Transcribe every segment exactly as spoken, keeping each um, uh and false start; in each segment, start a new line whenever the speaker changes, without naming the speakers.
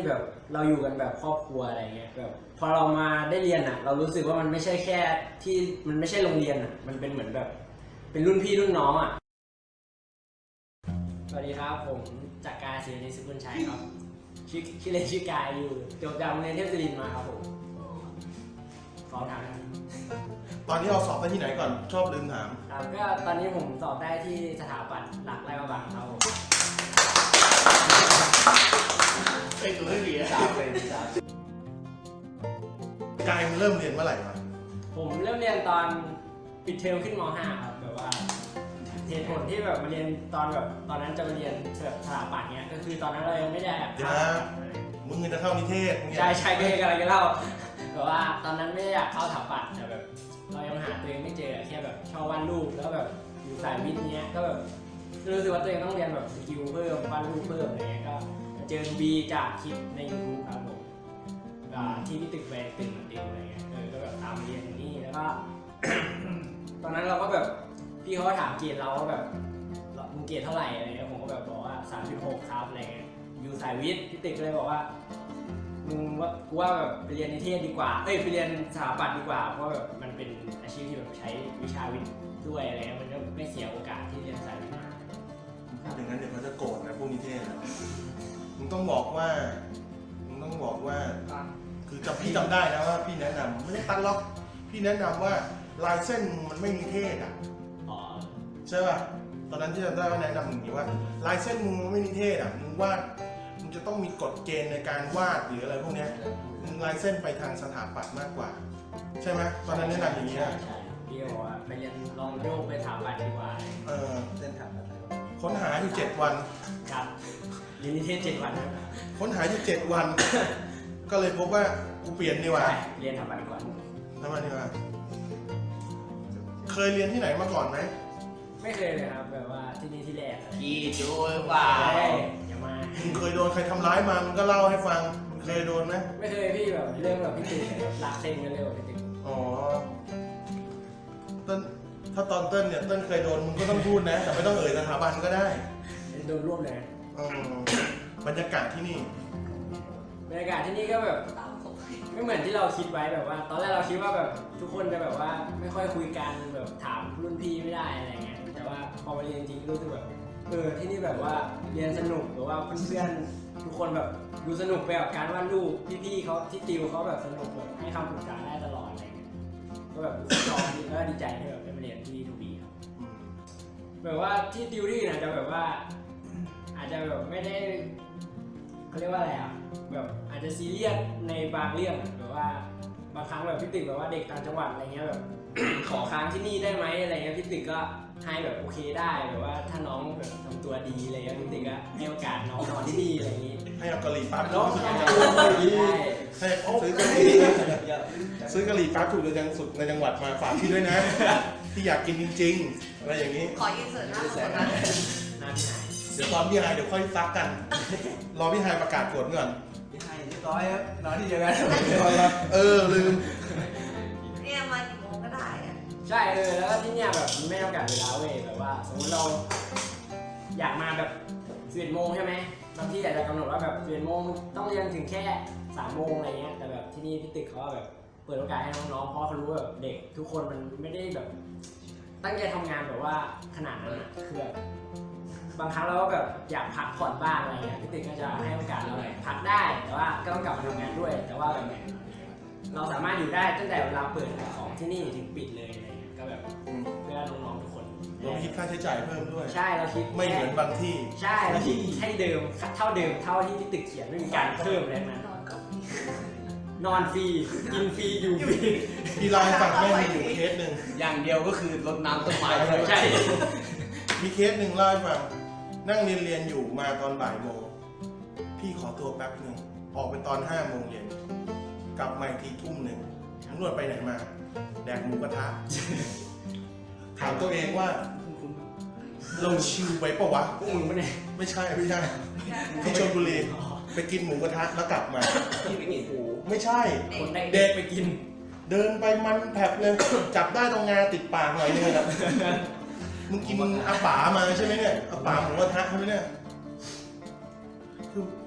แบบเราอยู่กันแบบครอบครัวอะไรเงี้ยแบบพอเรามาได้เรียนอ่ะเรารู้สึกว่ามันไม่ใช่แค่ที่มันไม่ใช่โรงเรียนอ่ะมันเป็นเหมือนแบบเป็นรุ่นพี่รุ่นน้องอ่ะสวัสดีครับผมจักรกายศรีนิสุขุนชัยครับชื่อชื่อเล่นชื่อกายอยู่จบจากโรงเรียนเทพศิรินทร์มาครับผมขอถามครับ
ตอนนี้เราสอบได้ที่ไหนก่อนชอบลืมถาม
ครับก็ตอนนี้ผมสอบได้ที่สถาปัตย์หลักไร่ประบังครับผม
ไอ้ตัวที่ดี
สามเป็นสาม
กายมันเริ่มเรียนเมื่อไหร่วะ
ผมเริ่มเรียนตอนปิดเทอมขึ้นม .ห้า ครับแบบว่าเหตุผลที่แบบมาเรียนตอนแบบตอนนั้นจะมาเรียนแบบสถาปัตย์เนี้ยก็คือตอนนั้นเรายังไม่ได้แบบ
เดี๋ยวนะมึงจะเข้านิเทศมึง
ใช่ใช่ก็เลยกำลังจะเล่าแบบว่าตอนนั้นไม่ได้อยากเข้าสถาปัตย์แต่แบบเรายังหาตัวเองไม่เจอแค่แบบชอบวาดรูปแล้วแบบอยู่สายวิทย์เนี้ยก็แบบรู้สึกว่าตัวเองต้องเรียนแบบสกิลเพิ่มวาดรูปเพิ่มอะไรเงี้ยก็เจอบีจากคลิปใน YouTube ครับผมที่พี่ตึกแวร์ตึกมันติวอะไรเงี้ยเออก็แบบตามเรียนอย่างนี้แล้วก็ ตอนนั้นเราก็แบบพี่เขาก็ถามเกรดเราว่าแบบมึงเกรดเท่าไหร่อะไรเงี้ยผมก็แบบบอกว่า สามจุดหก ครับอะไรเงี้ยอยู่สายวิทย์พี่ตึกก็เลยบอกว่ามึงว่ากูว่าแบบไปเรียนนิเทศดีกว่าเอ้ยไปเรียนสถาปัตย์ดีกว่าเพราะแบบมันเป็นอาชีพที่แบบใช้วิชาวิทย์ด้วยอะไรเงี้ยมันก็ไม่เสียโอกาสที่เรียนสายวิทย์มา
พูดอย่างนั้นเดี๋ยวเขาจะโกรธนะพวกนิเทศนะมึงต้องบอกว่ามึงต้องบอกว่าคือจำพี่จำได้นะว่าพี่แนะนำไม่ได้ตันล็อกพี่แนะนำว่าลายเส้นมันไม่นิเทศอ่ะ
อ๋อ
ใช่ป่ะตอนนั้นที่จำได้ว่าแนะนำอย่างนี้ว่าลายเส้นมึงไม่นิเทศอ่ะมึงวาดมึงจะต้องมีกฎเกณฑ์ในการวาดหรืออะไรพวกเนี้ยมึงลายเส้นไปทางสถาปัตย์มากกว่าใช่ไหมตอนนั้นแนะนำอย่างนี้
ใช่
นะ
ใช่พี่ก็บอกว่าไปเรียนลองโยกไปสถาปัตย์ดีกว่า
เออ
เส้นทางอะไร
ค้นหาอยู่เจ็ดวัน
ครับเรียนนิเทศเจ็ดวันครับ
ค้นหาอยู่เจ็ดวัน ก็เลยพบว่ากูเปลี่ยนดีกว่า
ใช่เรียนสถาปัตย์ดีกว่า
ทำไมดีกว่าเคยเรียนที่ไหนมาก่อนไหม
ไม่เคยเลยครับแบบว่าที่นี่ที่แรกเลย
พี่จูหรือเปล่า
เฮ้ยอย่ามา
มึงเคยโดนใครทำร้ายมามึงก็เล่าให้ฟังมึงเคยโดนไหม
ไม่เคยพี่แบบเรื่องแบบพี่ติ๊กแบบลากเซ็งกันเร็วพี่ติ๊ก
อ๋อเต้นถ้าตอนเต้นเนี่ยเต้นเคยโดนมึงก็ต้องพูดนะ แต่ไม่ต้องเอ่ยสถาบันก็ได้
โดนรวบเลย
อืมบรรยากาศที่นี่
บรรยากาศที่นี่ก็แบบไม่เหมือนที่เราคิดไว้แบบว่า ตอนแรกเราคิดว่าแบบทุกคนจะแบบว่าไม่ค่อยคุยกันแบบถามรุ่นพี่ไม่ได้อะไรเงี้ยแต่ว่าพอมาเรียนจริงรู้สึกแบบเออที่นี่แบบว่าเรียนสนุกหรือว่าเพื่อนๆทุกคนแบบดูสนุกไปกับการวาดรูปพี่ๆเขาที่ติวเขาแบบสนุกแบบให้คำปรึกษาได้ตลอดอะไรเงี้ยก็แบบรู้สึกชอบดีแล้วก็ดีใจที่แบบได้มาเรียนที่ทูบีครับ
อืม
แบบว่าที่ติวที่อื่นอาจจะแบบว่า อาจจะแบบไม่ได้เขาเรียกว่าอะไรอ่ะแบบอาจจะซีเรียสในบางเรื่องแบบว่าบางครั้งแบบพี่ตึกแบบว่าเด็กต่างจังหวัดอะไรเงี้ยแบบ ขอค้างที่นี่ได้ไหมอะไรเงี้ยพี่ตึกก็ให้แบบโอเคได้แบบว่าถ้าน้องแบบทำตัวดีอะไรเงี้ยพี่ตึกก็ให้โอกาสน้องนอนที่นี่อะไรอย่างงี้
ให้เอากะหรี่ปั๊บ
น้อง
ถูก
ทำ
ใน
ตั
จั
ว
งหวัด
ดีได้
ให้ซื้อกะหรี่ซื้อกะหรี่ปั๊บถูกในจังสุดในจังหวัดมาฝากพี่ด้วยนะพี่อยากกินจริงๆอะไรอย่างนี้
ขอยืนเสิร์ฟหน้าคนนั้น
น้ำที่ไหน
เดี๋ยวตอนพี่ไฮเดี๋ยวค่อยซักกัน รอพี่ไฮประกาศผลก่อน
พี่ให้เรียบร้อยครับนอนที่เดียวกัน
เออลืม
เนี่ยมากี่โมงก็ได้อะ
ใช่เออแล้วก็ที่เนี่ยแบบมันไม่จำกัดเวลาเว้ยแบบว่าสมมติเรา อยากมาแบบสิบเอ็ดโมงใช่ไหมบางที่อาจจะกำหนดว่าแบบสิบเอ็ดโมงต้องเรียนถึงแค่สามโมงอะไรเงี้ยแต่แบบที่นี่พี่ตึกเขาแบบเปิดโอกาสให้น้องๆเพราะเขารู้ว่าแบบเด็กทุกคนมันไม่ได้แบบ ตั้งใจทำงานแบบว่าขนาดนั้นอะคือแบบบางครั้งเราก็แบบอยากพักผ่อนบ้างอะไรเงี้ยพี่ตึกก็จะให้โอกาสเราแบบพักได้แต่ว่าก็ต้องกลับมาทำงานด้วย แต่ว่าแบบเราสามารถอยู่ได้ตั้งแต่เวลาเปิดของที่นี่ถึงปิดเลยอะไรเงี้ยก็แบบเพื่อน้องๆทุกคน
เราคิดค่าใช้จ่ายเพิ่มด้วย
ใช่เราคิด
ไม่เหมือนบางที่
ใช่เราคิดให้เดิมเท่าเดิมเท่าที่ที่ตึกเขียนไม่มีการเพิ่มอะไรทั้งนั้น
นอนกับ
นอนฟรีกินฟรีอยู่ฟรี
พี่เล่าให้ฟังแม่งมีอยู่เคสหนึ่ง
อย่างเดียวก็คือรดน้ำต้นไม้
ใช่
มีเคสหนึ่งเล่าให้ฟังนั่งเรียนเรียนอยู่มาตอนบ่ายโมงพี่ขอตัวแป๊บหนึ่งออกไปตอนห้าโมงเย็นกลับมาอีกทีทุ่มหนึ่งตำรวจไปไหนมาแดกหมูกระทะถามตัวเองว่าเราชิวไปปะวะ
พวกมึงปะเนี่ย
ไม่ใช่ไม่ใช่ที่ชลบุรีไปกินหมูกระทะแล้วกลับมา
พี่ไปกิน
ไม่ใช่
คนได้
เด็
เด็
ก
กไปกิน
เดินไปมันแผลบเลย จับได้ตรงงาติดปากหน่อยนึงนะมึงกินอาป๋ามาใช่ไหมเนี่ยอาป๋าหมูกระทะใช่ไหมเนี่ยคือ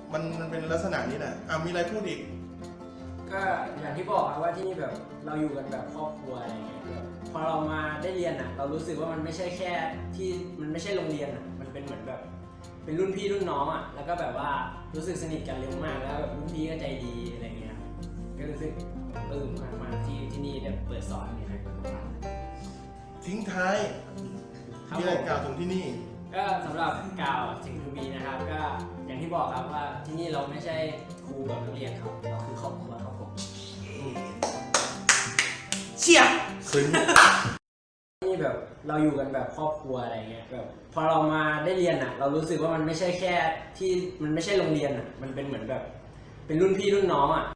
มันมันเป็นลักษณะนี้แหละอ่ะมีอะไรพูดอีก
ก็อย่างที่บอกครับว่าที่นี่แบบเราอยู่กันแบบครอบครัวอะไรเงี้ยแบบพอเรามาได้เรียนอ่ะ เรารู้สึกว่ามันไม่ใช่แค่ที่มันไม่ใช่โรงเรียนอ่ะมันเป็นเหมือนแบบเป็นรุ่นพี่รุ่นน้องอ่ะแล้วก็แบบว่ารู้สึกสนิทกันเร็วมากแล้วแบบรุ่นพี่ก็ใจดีอะไรเงี้ยครับก็รู้สึกปลื้มมากๆที่ที่นี่ได้เปิดสอนเนี่ยครับ
ทิ้งท้าย
ครับ
มี
ผ
อะไร
ม
กล่าวถึงที่นี่
ก็สำหรับกล่าวถึงทูบีนะครับ ก็อย่างที่บอกครับว่าที่นี่เราไม่ใช่ครูกับนักเรียนครับเราคือครอบครัวครับผม
เชี่ย
ซึ้ง
นี่แบบเราอยู่กันแบบครอบครัวอะไรเงี้ยแบบพอเรามาได้เรียนอ่ะ เรารู้สึกว่ามันไม่ใช่แค่ที่มันไม่ใช่โรงเรียนอ่ะมันเป็นเหมือนแบบเป็นรุ่นพี่รุ่นน้องอ่ะ